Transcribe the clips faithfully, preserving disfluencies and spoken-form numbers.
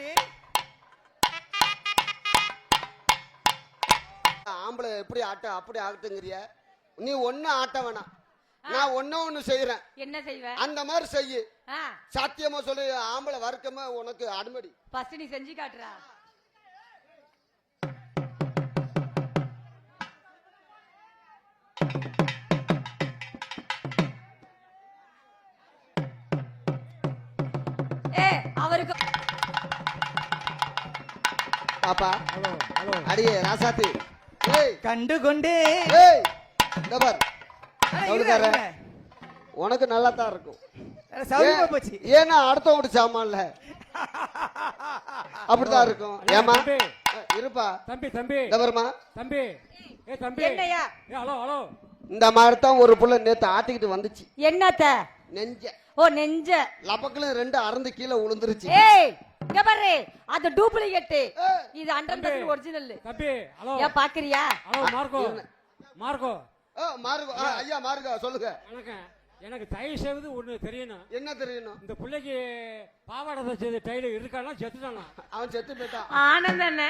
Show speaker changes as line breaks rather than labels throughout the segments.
ஆம்பளை எப்படி ஆட்ட அப்படி ஆகட்டுங்கிறிய நீ ஒண்ணு ஆட்ட வேணாம் நான் ஒண்ணு ஒண்ணு செய்யறேன்
என்ன செய்வ
அந்த மாதிரி செய்யு சத்தியமா சொல்லு ஆம்பளை வர்க்கமா உனக்கு அடிமடி
ஃபர்ஸ்ட் நீ செஞ்சு காட்டுறா ஏ அவருக்கு
பாப்பா
ஹலோ ஹலோ
அடியே ராசாத்தி ஏய்
கண்டு கொண்டே
ஏய் இந்த பார் அவளுக்கார உனக்கு நல்லா தான் இருக்கும்
சௌரியமா போச்சு
ஏன்னா அடுத்த வீட்டு சாமான்ல அப்படிதான் இருக்கும் ஏமா இருப்பா
தம்பி தம்பி
இந்த பாருமா
தம்பி ஏ தம்பி
என்னையா
ஏ ஹலோ ஹலோ
இந்த மாதிரி தான் ஒரு புள்ள நேத்து ஆட்டிக்கிட்டு வந்துச்சு
என்னத்த
நெஞ்ச
ஓ நெஞ்ச
லபக்குல ரெண்டு அறந்து கீழே விழுந்துருச்சு
ஏய் இங்க பாரு அது டூப்ளிகேட் இது ஹண்ட்ரட் பர்சன்ட் ஒரிஜினல்
தம்பி ஹலோ
ஏன் பாக்குறியா
ஹலோ மார்க்கோ மார்க்கோ
ஓ மார்கோ ஆ, ஐயா மார்கோ சொல்லுங்க
வணக்கம் எனக்கு தயவு செய்வது ஒண்ணு தெரியணும்
என்ன தெரியணும்
இந்த பிள்ளைக்கு பாவாடை தச்சது டைலர் இருக்கானா செத்துட்டானா
அவன் செத்து போயிட்டான்
ஆனந்த என்ன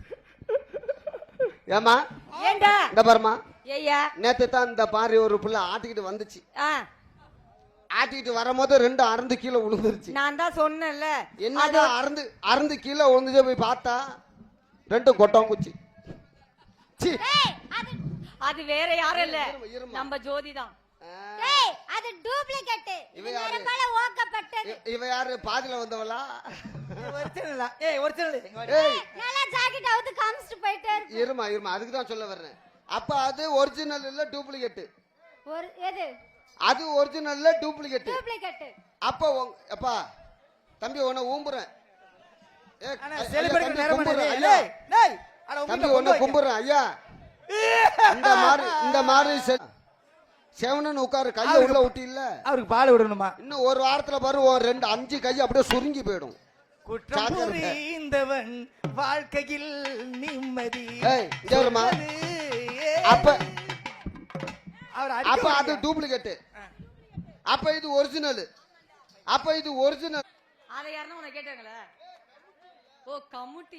ஏமா
ஏண்டா
இந்த பாருமா
ஏய்யா
நேத்து தான் இந்த பாரி ஒரு புள்ள ஆட்டிக்கிட்டு வந்துச்சு
ஆ
ஆட்டிக்கிட்டு வரும்போது ரெண்டு அறந்து கீழே விழுந்துருச்சு
நான் தான் சொன்னேன்ல
என்னடா அறந்து அறந்து கீழே விழுந்துச்சு போய் பார்த்தா ரெண்டும் கொட்டம் குச்சி சீ.
அது வேற யாரும் இல்ல
இருமா, இருமா.
நம்ம ஜோதி தான்
ஏய் அது டூப்ளிகேட்
இவ
இது
யாரு?
நரம்பால ஓக்கப்பட்டது
இ- இவ யாரு பாதியில வந்தவளா
ஒரிஜினலா ஏய் ஒரிஜினல்
ஏய்
நல்லா ஜாக்கெட் அவுத்து காமிச்சிட்டு போயிட்டே இருக்கு
இருமா இருமா அதுக்கு தான் சொல்ல வர்றேன் அப்ப அது ஒரிஜினல் இல்ல டூப்ளிகேட்
ஒரு எது
அது ஒரிஜினல் இல்ல டூப்ளிகேட்
டூப்ளிகேட்
அப்ப உங்க- அப்பா தம்பி உன்னை ஊம்புறேன் ஏ,
ஆனா
ஐயா,
செலிபிரேட்
தம்பி
நேரம்
கும்பிடுறேன்,
டேய்
ஐயா.
டேய் அட
தம்பி
உங்க
உன்னை கும்பிடுறேன் ஐயா இந்த மாதிரி இந்த மாதிரி செ- செவனன்னு உட்காரு கையை உள்ள விட்டு இல்ல
அவருக்கு பால் விடணுமா
இன்னும் ஒரு வாரத்துல பாரு ஒரு ரெண்டு அஞ்சு கை அப்படியே சுருங்கி போயிடும்
குற்றம்
ஜாக்கிரதை.
புரிந்தவன் வாழ்க்கையில் நிம்மதி
ஏய், இங்க வருமா?
சொல்வது. ஏய்.
அப்ப
அவர்
அப்ப அது
அடிக்க
டூப்ளிகேட் அப்ப இது ஒரிஜினல் அப்ப இது ஒரிஜினல்
அதை யாருன்னா உன்னை கேட்டாங்களே ஓ கமுட்டி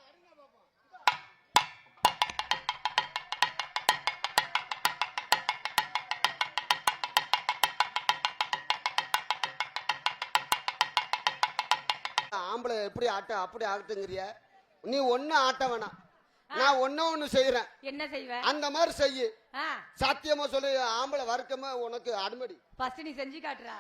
ஆம்பளை எப்படி ஆட்ட அப்படி ஆகட்டுங்கிறிய நீ ஒண்ணு ஆட்ட வேணாம் நான் ஒண்ணு ஒண்ணு செய்யறேன்
என்ன செய்வ
அந்த மாதிரி செய்யு
ஆ
சத்தியமா சொல்லு ஆம்பளை வர்க்கமா உனக்கு அடிமடி
ஃபர்ஸ்ட் நீ செஞ்சு காட்டுறா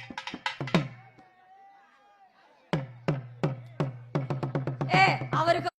ஏ அவருக்கு